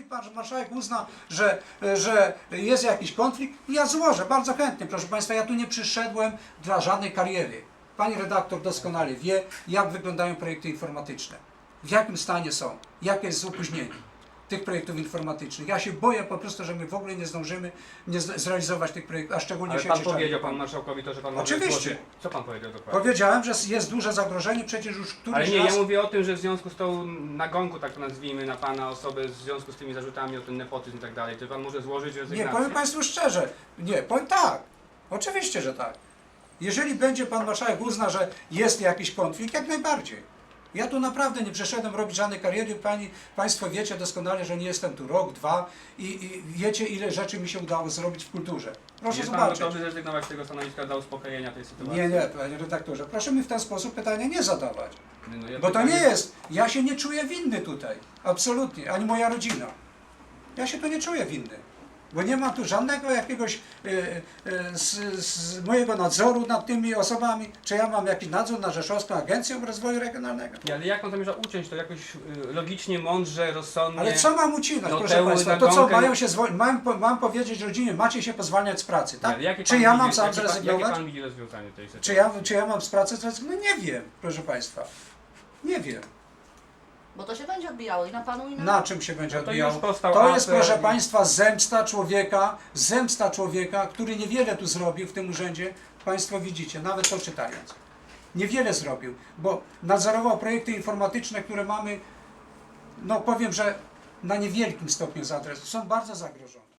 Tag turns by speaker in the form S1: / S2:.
S1: pan marszałek uzna, że jest jakiś konflikt, ja złożę bardzo chętnie, proszę państwa, ja tu nie przyszedłem dla żadnej kariery. Pani redaktor doskonale wie, jak wyglądają projekty informatyczne, w jakim stanie są, jakie jest opóźnienie tych projektów informatycznych. Ja się boję po prostu, że my w ogóle nie zdążymy zrealizować tych projektów, a szczególnie
S2: Ale
S1: sieci
S2: pan
S1: czarnej.
S2: powiedział pan marszałkowi to, że pan może
S1: Oczywiście.
S2: złożyć. Co pan powiedział dokładnie?
S1: Powiedziałem, że jest duże zagrożenie, przecież już któryś
S2: Ale nie,
S1: raz...
S2: ja mówię o tym, że w związku z tą nagonką, tak to nazwijmy, na pana osobę, w związku z tymi zarzutami o ten nepotyzm i tak dalej, czy pan może złożyć rezygnację?
S1: Nie, powiem państwu szczerze, nie, powiem tak, oczywiście, że tak. Jeżeli będzie pan marszałek uzna, że jest jakiś konflikt, jak najbardziej. Ja tu naprawdę nie przyszedłem robić żadnej kariery. Państwo wiecie doskonale, że nie jestem tu rok, dwa i wiecie, ile rzeczy mi się udało zrobić w kulturze. Proszę
S2: Jest pan
S1: zobaczyć.
S2: gotowy zrezygnować z tego stanowiska dla uspokojenia tej sytuacji?
S1: Nie, panie redaktorze, proszę mi w ten sposób pytania nie zadawać.
S2: No, ja
S1: Bo to
S2: pytanie-
S1: nie jest, ja się nie czuję winny tutaj, absolutnie, ani moja rodzina. Ja się tu nie czuję winny, bo nie ma tu żadnego jakiegoś z mojego nadzoru nad tymi osobami. Czy ja mam jakiś nadzór nad Rzeszowską Agencją Rozwoju Regionalnego?
S2: Ale jak on zamierza uciąć to jakoś logicznie, mądrze, rozsądnie?
S1: Ale co mam ucinać,
S2: No
S1: proszę
S2: tę
S1: państwa? To co,
S2: nagonkę-
S1: mają się mam powiedzieć rodzinie, macie się pozwalniać z pracy, tak?
S2: Ale jakie
S1: Czy
S2: pan
S1: ja
S2: widzi-
S1: mam sam
S2: jakie
S1: zrezygnować?
S2: Jakie pan widzi rozwiązanie tej sytuacji?
S1: Czy ja mam z pracy zrezygnować? No nie wiem, proszę państwa. Nie wiem.
S3: Bo to się będzie odbijało i na panu, i na...
S1: Na czym się będzie
S2: No to
S1: odbijało?
S2: już powstał
S1: To jest,
S2: apel
S1: proszę
S2: i-
S1: państwa, zemsta człowieka, który niewiele tu zrobił w tym urzędzie. Państwo widzicie, nawet to czytając. Niewiele zrobił, bo nadzorował projekty informatyczne, które mamy, no powiem, że na niewielkim stopniu są bardzo zagrożone.